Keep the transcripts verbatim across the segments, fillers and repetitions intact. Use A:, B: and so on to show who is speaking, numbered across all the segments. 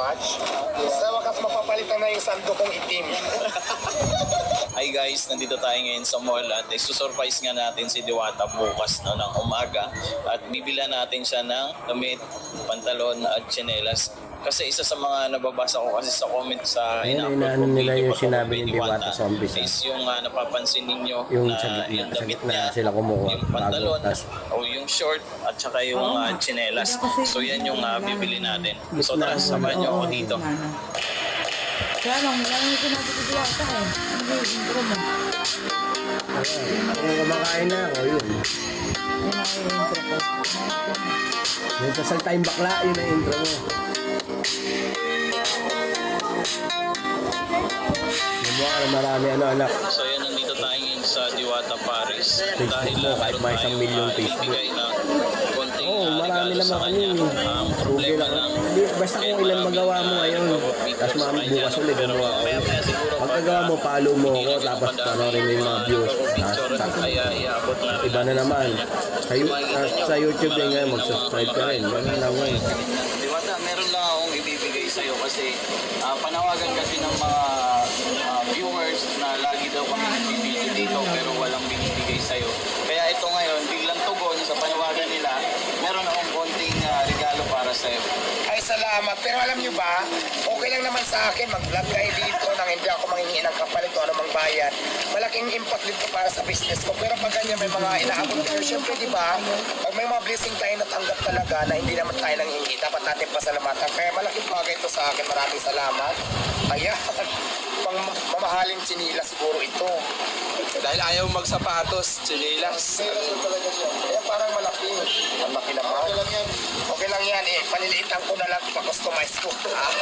A: much. Sa wakas mapapalitan na yung sando kong itim.
B: Hi guys, nandito tayo ngayon sa mall at isusurprise nga natin si Diwata bukas no, ng umaga at bibila natin siya ng damit, pantalon at tsinelas. Kasi isa sa mga nababasa ko kasi sa comment sa
C: Ayun, inaano nila yung sinabi ni Diwata sa umpisa.
B: is yung uh, napapansin ninyo
C: Yung
B: na
C: sa gitna,
B: yung
C: sa
B: damit
C: gitna
B: niya,
C: sila kumukuha,
B: yung pantalon
C: bago, tas-
B: o yung short at saka yung uh, tsinelas. So yan yung uh, bibili natin. So tara, samahan niyo ako dito.
D: Kaya lang, wala nang sinabi ko diya ata eh. Ano yung intro mo?
C: Kung kumakain na ako, yun.
D: Yan ako yung intro ko.
C: Yung sa saltayong bakla, yun ang intro mo. Mumukha na marami ano anak.
B: So yan, nandito tayo ngayon sa Diwata Paris. Dahil
C: mo, kahit may isang milyon Facebook. Oo, oh, marami naman kami.
B: Ang
C: Rugi
B: problema
C: lang.
B: lang,
C: Hindi, basta kung ilan magawa mo ngayon. Tapos mga bukas ulit gumawa ko. Pagkagawa mo, follow mo ako. Tapos panorin mo yung mga views. Iba na naman. Sa, sa YouTube din ngayon, mag-subscribe ka rin. Ganun lang ngayon.
B: Diwata, meron lang akong ibibigay sa'yo kasi uh, panawagan kasi ng mga uh, viewers na lagi daw kami nagbibideo dito pero walang binibigay sa'yo. Kaya ito ngayon, biglang tugon sa panawagan nila, meron akong konting uh, regalo para sa'yo.
A: Ay, salamat. Pero alam nyo ba, okay lang naman sa akin mag-vlog kayo dito nang hindi ako manghingi ng kapalit o anumang bayad. Malaking impact dito para sa business ko. Pero pag ganyan may mga inaabot kayo, syempre di ba, pag may mga blessing tayo natanggap talaga na hindi naman tayo nang hingi, dapat natin pasalamatan. Kaya malaking bagay ito sa akin. Maraming salamat. Kaya, pang mamahaling chinila siguro ito.
E: Dahil ayaw magsapatos, chinilas.
A: Kaya parang malaki. Ang laki naman. Okay lang yan. Okay lang yan eh. Paliliitan ko na lang pa-customize ko.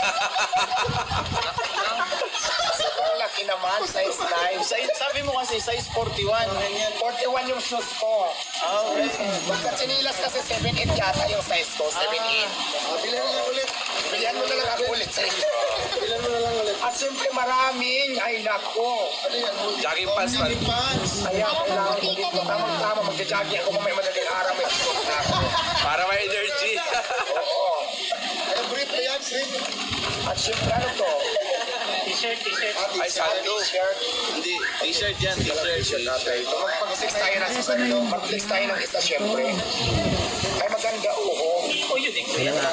A: Sobrang laki naman. Size nine.
B: Size, sabi mo kasi size forty-one.
A: forty-one yung shoes ko.
B: Oh, okay.
A: Basta chinilas kasi seven eight yata yung size ko. seven eight. Bilhan mo na ulit. Bilhan mo na lang ako ulit. Bilhan mo na lang ulit. At siyempre maraming. Ay nako.
E: Jogging pants man.
A: Kaya kailangan ko dito. Tamang-tama. Magja-jogging ako kung may madaling araw. May suot na ako.
E: Para may energy.
A: Oo. Ay, brief na yan, brief. At siyempre ano to?
B: T-shirt, t-shirt.
E: Ay, sando.
A: T-shirt.
B: Hindi, t-shirt yan, t-shirt.
A: Mag-flex tayo ng isa. Mag-flex tayo ng isa, siyempre. Ay, maganda, oo.
B: Oh, yun eh.
C: Kaya nga,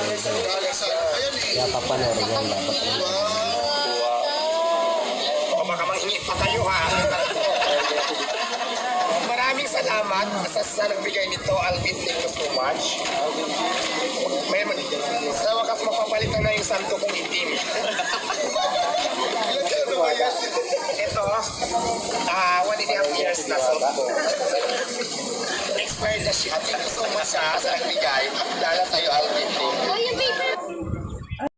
C: kaya papanorin yan dapat.
A: O baka manghingi pa kayo ha. Maraming salamat sa sa nagbigay nito, Alvin. Thank you so much. May, sa wakas mapapalitan na yung santo kong itim. Ito, ah, one and a half years na so ko. Expired na siya. Thank you so much ha, sa nagbigay. Dala sa'yo, Alvin. Thank you.